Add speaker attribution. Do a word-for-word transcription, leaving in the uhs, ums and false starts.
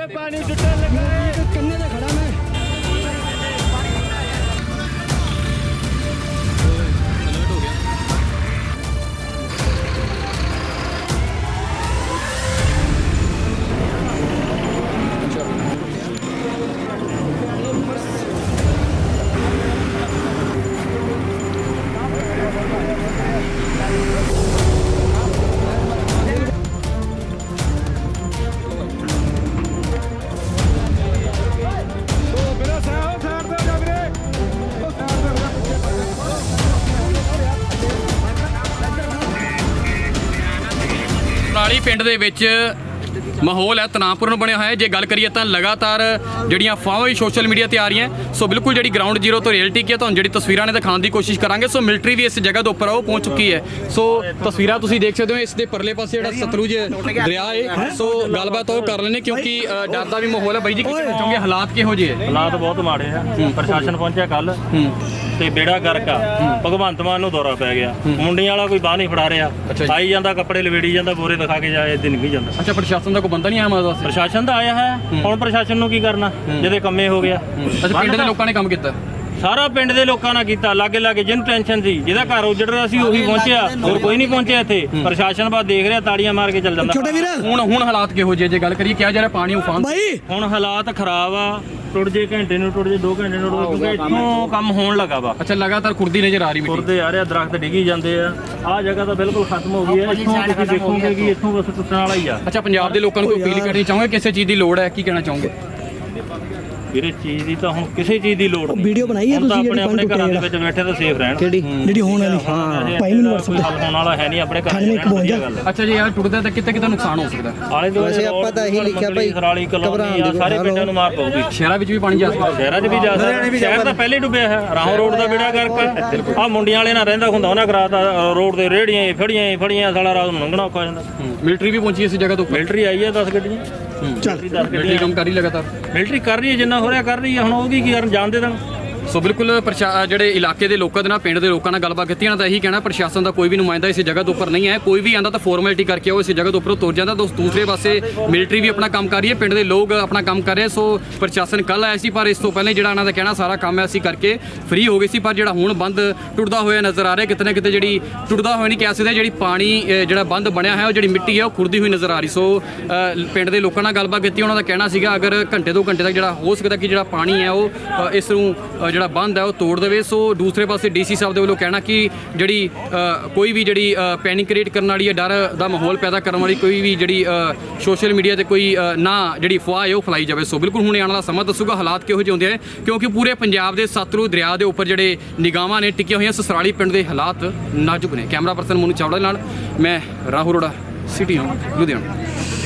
Speaker 1: पानी जुटने लगा है कन्ने से खड़ा मैं
Speaker 2: ਪਰਾਲੀ ਪਿੰਡ ਦੇ ਵਿੱਚ ਮਾਹੌਲ ਹੈ ਤਣਾਅਪੂਰਨ ਬਣਿਆ ਹੋਇਆ ਹੈ। ਜੇ ਗੱਲ ਕਰੀਏ ਤਾਂ ਲਗਾਤਾਰ ਜਿਹੜੀਆਂ ਅਫਵਾਹਾਂ ਵੀ ਸੋਸ਼ਲ ਮੀਡੀਆ ਤੇ ਆ ਰਹੀਆਂ, ਸੋ ਬਿਲਕੁਲ ਜਿਹੜੀ ਗਰਾਊਂਡ ਜ਼ੀਰੋ ਤੋਂ ਰਿਐਲਿਟੀ ਕੀ ਹੈ ਤੁਹਾਨੂੰ ਜਿਹੜੀ ਤਸਵੀਰਾਂ ਨੇ ਦਿਖਾਉਣ ਦੀ ਕੋਸ਼ਿਸ਼ ਕਰਾਂਗੇ। ਸੋ ਮਿਲਟਰੀ ਵੀ ਇਸ ਜਗ੍ਹਾ ਦੇ ਉੱਪਰ ਉਹ ਪਹੁੰਚ ਚੁੱਕੀ ਹੈ। ਸੋ ਤਸਵੀਰਾਂ ਤੁਸੀਂ ਦੇਖ ਸਕਦੇ ਹੋ, ਇਸ ਦੇ ਪਰਲੇ ਪਾਸੇ ਜਿਹੜਾ ਸਤਲੁਜ ਦਰਿਆ ਹੈ। ਸੋ ਗੱਲਬਾਤ ਉਹ ਕਰ ਲੈਣੇ ਕਿਉਂਕਿ ਡਰ ਦਾ ਵੀ ਮਾਹੌਲ ਹੈ। ਬਾਈ ਜੀ ਕੀ ਕਹਿਣਾ ਚਾਹੋਗੇ, ਹਾਲਾਤ ਕਿਹੋ ਜਿਹੇ ਹੈ?
Speaker 3: ਹਾਲਾਤ ਬਹੁਤ ਮਾੜੇ ਆ। ਪ੍ਰਸ਼ਾਸਨ ਪਹੁੰਚਿਆ ਕੱਲ ਤੇ ਬੇੜਾ ਗਰਕ ਆ। ਭਗਵੰਤ ਮਾਨ ਨੂੰ ਦੌਰਾ ਪੈ ਗਿਆ, ਮੁੰਡਿਆਂ ਵਾਲਾ ਕੋਈ ਬਾਹ ਨਹੀਂ ਫੜਾ ਰਿਹਾ, ਆਈ ਜਾਂਦਾ ਕੱਪੜੇ ਲਵੇੜੀ ਜਾਂਦਾ, ਬੋਰੇ ਦਿਖਾ ਕੇ ਜਾਏ ਦਿਨ ਵੀ ਜਾਂਦਾ।
Speaker 2: ਅੱਛਾ, ਪ੍ਰਸ਼ਾਸਨ ਦਾ ਕੋਈ ਬੰਦਾ ਨਹੀਂ ਆਇਆ ਮਦਦ ਵਾਸਤੇ?
Speaker 3: ਪ੍ਰਸ਼ਾਸਨ ਤਾਂ ਆਇਆ ਹੈ, ਹੁਣ ਪ੍ਰਸ਼ਾਸਨ ਨੂੰ ਕੀ ਕਰਨਾ ਜਿਹਦੇ ਕੰਮੇ ਹੋ ਗਿਆ।
Speaker 2: ਅੱਛਾ, ਪਿੰਡ ਦੇ ਲੋਕਾਂ ਨੇ ਕੰਮ ਕੀਤਾ?
Speaker 3: ਸਾਰਾ ਪਿੰਡ ਦੇ ਲੋਕਾਂ ਨੇ ਕੀਤਾ, ਲਾਗੇ ਲਾਗੇ ਜਿਹਨੂੰ ਟੈਨਸ਼ਨ ਸੀ, ਜਿਹਦਾ ਘਰ ਉਜੜ ਰਿਹਾ ਸੀ ਉਹੀ ਪਹੁੰਚਿਆ, ਹੋਰ ਕੋਈ ਨਹੀਂ ਪਹੁੰਚਿਆ ਇੱਥੇ। ਪ੍ਰਸ਼ਾਸਨ ਬਾਅਦ ਦੇਖ ਰਿਹਾ, ਤਾੜੀਆਂ ਮਾਰ ਕੇ ਚੱਲ ਜਾਂਦਾ।
Speaker 1: ਛੋਟੇ ਵੀਰ
Speaker 2: ਹੁਣ ਹੁਣ ਹਾਲਾਤ ਕਿਹੋ ਜਿਹੇ ਜੇ ਗੱਲ ਕਰੀਏ, ਕਿਹਾ ਜਾ ਰਿਹਾ ਪਾਣੀ ਉਫਾਨ?
Speaker 1: ਭਾਈ
Speaker 3: ਹੁਣ ਹਾਲਾਤ ਖਰਾਬ ਆ, ਟੁੱਟ ਜੇ ਘੰਟੇ ਨੂੰ ਟੁੱਟ ਜੇ ਦੋ ਘੰਟੇ ਨੂੰ ਟੁੱਟ ਜੇ, ਕਿਉਂਕਿ ਇੱਥੋਂ ਕੰਮ ਹੋਣ ਲੱਗਾ ਵਾ।
Speaker 2: ਅੱਛਾ, ਲਗਾਤਾਰ ਖੁਰਦੀ ਨਜ਼ਰ ਆ ਰਹੀ ਮਿੱਟੀ?
Speaker 3: ਖੁਰਦੇ ਆ ਰਿਹਾ, ਦਰਖਤ ਡਿੱਗੀ ਜਾਂਦੇ ਆ। ਆਹ ਜਗ੍ਹਾ ਤਾਂ ਬਿਲਕੁਲ ਖਤਮ ਹੋ ਗਈ ਹੈ। ਇੱਥੋਂ ਤੁਸੀਂ ਦੇਖੋਗੇ ਕਿ ਇੱਥੋਂ ਬਸ ਟੁੱਟਣ ਵਾਲਾ ਹੀ ਆ।
Speaker 2: ਅੱਛਾ, ਪੰਜਾਬ ਦੇ ਲੋਕਾਂ ਨੂੰ ਕੋਈ ਅਪੀਲ ਕਰਨੀ ਚਾਹੋਗੇ, ਕਿਸੇ ਚੀਜ਼ ਦੀ ਲੋੜ ਹੈ, ਕੀ ਕਹਿਣਾ ਚਾਹੋਗੇ?
Speaker 3: ਵੀਰੇ ਚੀਜ਼ ਦੀ ਤਾਂ ਹੁਣ ਕਿਸੇ ਚੀਜ਼ ਦੀ ਲੋੜ ਨਹੀਂ।
Speaker 1: ਵੀਡੀਓ ਬਣਾਈ ਹੈ ਤੁਸੀਂ
Speaker 3: ਆਪਣੇ ਆਪਣੇ ਘਰਾਂ ਦੇ ਵਿੱਚ ਬੈਠੇ ਤਾਂ ਸੇਫ ਰਹਿਣ।
Speaker 1: ਕਿਹੜੀ ਜਿਹੜੀ ਹੋਣ ਵਾਲੀ? ਹਾਂ ਭਾਈ ਮੈਨੂੰ WhatsApp
Speaker 3: ਹੱਲ ਹੋਣ ਵਾਲਾ ਹੈ ਨਹੀਂ ਆਪਣੇ ਘਰ ਦੇ।
Speaker 2: ਅੱਛਾ ਜੀ, ਯਾਰ ਟੁੱਟਦਾ ਤਾਂ ਕਿਤੇ ਕਿਤੇ ਨੁਕਸਾਨ ਹੋ ਸਕਦਾ।
Speaker 3: ਆਲੇ ਦੁਆਲੇ ਆਪਾਂ ਤਾਂ ਇਹੀ ਲਿਖਿਆ ਭਾਈ, ਸਰਾਲੀ ਕਲੋਨੀ ਆ, ਸਾਰੇ ਪਿੰਡਾਂ ਨੂੰ ਮਾਰ ਪਊਗੀ।
Speaker 2: ਸ਼ਹਿਰਾਂ ਵਿੱਚ ਵੀ ਪਾਣੀ ਜਾ ਸਕਦਾ?
Speaker 3: ਸ਼ਹਿਰਾਂ 'ਚ ਵੀ ਜਾ ਸਕਦਾ, ਸ਼ਹਿਰ ਤਾਂ ਪਹਿਲੇ ਡੁੱਬਿਆ ਹੈ। ਰਾਹੋਂ ਰੋਡ ਦਾ ਬੇੜਾ ਗਰਕ ਆ, ਮੁੰਡਿਆਂ ਵਾਲੇ ਨਾਲ ਰਹਿੰਦਾ ਹੁੰਦਾ, ਉਹਨਾਂ ਕਰਾਤਾ ਰੋਡ ਦੇ ਰੇੜੀਆਂ ਫੜੀਆਂ ਫੜੀਆਂ, ਸਾਲਾ ਰਾਤ ਨੂੰ ਲੰਘਣਾ ਔਖਾ ਹੋ ਜਾਂਦਾ।
Speaker 2: ਮਿਲਟਰੀ ਵੀ ਪਹੁੰਚੀ ਇਸ ਜਗ੍ਹਾ ਤੋਂ?
Speaker 3: ਮਿਲਟਰੀ ਆਈ ਹੈ ਦਸ ਗੱਡੀਆਂ।
Speaker 1: ਚੱਲ
Speaker 2: ਮਿਲਟਰੀ ਕੰਮ ਕਰ ਰਹੀ ਲਗਾਤਾਰ?
Speaker 3: ਮਿਲਟਰੀ ਕਰ ਰਹੀ ਹੈ, ਜਿੰਨਾ ਹੋ ਰਿਹਾ ਕਰ ਰਹੀ ਹੈ। ਹੁਣ ਉਹ ਕੀ ਕਰਨ, ਜਾਣ ਦੇ ਦੇਣ।
Speaker 2: ਸੋ ਬਿਲਕੁਲ ਜਿਹੜੇ ਇਲਾਕੇ ਦੇ ਲੋਕਾਂ ਦੇ ਨਾਲ, ਪਿੰਡ ਦੇ ਲੋਕਾਂ ਨਾਲ ਗੱਲਬਾਤ ਕੀਤੀ, ਇਹਨਾਂ ਦਾ ਇਹੀ ਕਹਿਣਾ ਪ੍ਰਸ਼ਾਸਨ ਦਾ ਕੋਈ ਵੀ ਨੁਮਾਇੰਦਾ ਇਸ ਜਗ੍ਹਾ ਦੇ ਉੱਪਰ ਨਹੀਂ ਹੈ। ਕੋਈ ਵੀ ਆਂਦਾ ਤਾਂ ਫਾਰਮੈਲਿਟੀ ਕਰਕੇ ਉਹ ਇਸ ਜਗ੍ਹਾ ਦੇ ਉੱਪਰੋਂ ਤੁਰ ਜਾਂਦਾ। ਦੋਸਤ ਦੂਸਰੇ ਪਾਸੇ ਮਿਲਟਰੀ ਵੀ ਆਪਣਾ ਕੰਮ ਕਰ ਰਹੀ ਹੈ, ਪਿੰਡ ਦੇ ਲੋਕ ਆਪਣਾ ਕੰਮ ਕਰ ਰਹੇ। ਸੋ ਪ੍ਰਸ਼ਾਸਨ ਕੱਲ ਆਇਆ ਸੀ, ਪਰ ਇਸ ਤੋਂ ਪਹਿਲੇ ਜਿਹੜਾ ਇਹਨਾਂ ਦਾ ਕਹਿਣਾ ਸਾਰਾ ਕੰਮ ਅਸੀਂ ਕਰਕੇ ਫ੍ਰੀ ਹੋ ਗਏ ਸੀ। ਪਰ ਜਿਹੜਾ ਹੁਣ ਬੰਦ ਟੁੱਟਦਾ ਹੋਇਆ ਨਜ਼ਰ ਆ ਰਿਹਾ, ਕਿਤੇ ਨਾ ਕਿਤੇ ਜਿਹੜੀ ਟੁੱਟਦਾ ਹੋਇਆ ਨਹੀਂ ਕਹਿ ਸਕਦੇ, ਜਿਹੜੀ ਪਾਣੀ ਜਿਹੜਾ ਬੰਦ ਬਣਿਆ ਹੈ, ਉਹ ਜਿਹੜੀ ਮਿੱਟੀ ਹੈ ਉਹ ਖੁਰਦੀ ਹੋਈ ਨਜ਼ਰ ਆ ਰਹੀ। ਸੋ ਪਿੰਡ ਦੇ ਲੋਕਾਂ ਨਾਲ ਗੱਲਬਾਤ ਕੀਤੀ, ਉਹਨਾਂ ਦਾ ਕਹਿਣਾ ਸੀਗਾ ਅਗਰ ਘੰਟੇ ਦੋ ਘੰਟੇ ਤੱਕ ਜਿਹੜਾ ਹੋ ਸਕਦਾ ਕਿ ਜਿਹੜਾ ਪਾਣੀ ਹੈ ਉਹ ਇਸ ਨੂੰ ਜਿਹੜਾ ਬੰਦ ਹੈ ਉਹ ਤੋੜ ਦੇਵੇ। ਸੋ ਦੂਸਰੇ ਪਾਸੇ ਡੀਸੀ ਸਾਹਿਬ ਦੇ ਵੱਲੋਂ ਕਹਿਣਾ ਕਿ ਜਿਹੜੀ ਕੋਈ ਵੀ ਜਿਹੜੀ ਪੈਨਿਕ ਕ੍ਰੀਏਟ ਕਰਨ ਵਾਲੀ ਹੈ, ਡਰ ਦਾ ਮਾਹੌਲ ਪੈਦਾ ਕਰਨ ਵਾਲੀ ਕੋਈ ਵੀ ਜਿਹੜੀ ਸੋਸ਼ਲ ਮੀਡੀਆ ਤੇ ਕੋਈ ਨਾ ਜਿਹੜੀ ਅਫਵਾਹ ਹੈ ਉਹ ਫੈਲਾਈ ਜਾਵੇ। ਸੋ ਬਿਲਕੁਲ ਹੁਣ ਆਉਣ ਵਾਲਾ ਸਮਾਂ ਦੱਸੂਗਾ ਹਾਲਾਤ ਕਿਹੋ ਜਿਹੇ ਹੁੰਦੇ ਆ, ਕਿਉਂਕਿ ਪੂਰੇ ਪੰਜਾਬ ਦੇ ਸਤਲੁਜ ਦਰਿਆ ਦੇ ਉੱਪਰ ਜਿਹੜੇ ਨਿਗਾਹਾਂ ਨੇ ਟਿਕੀਆਂ ਹੋਈਆਂ। ਸਸਰਾਲੀ ਪਿੰਡ ਦੇ ਹਾਲਾਤ ਨਾਜ਼ੁਕ ਨੇ। ਕੈਮਰਾ ਪਰਸਨ ਮੋਨੂ ਚਾਵੜਾ ਨਾਲ ਮੈਂ ਰਾਹੁਲ ਅਰੋੜਾ, ਸਿਟੀ ਲੁਧਿਆਣਾ।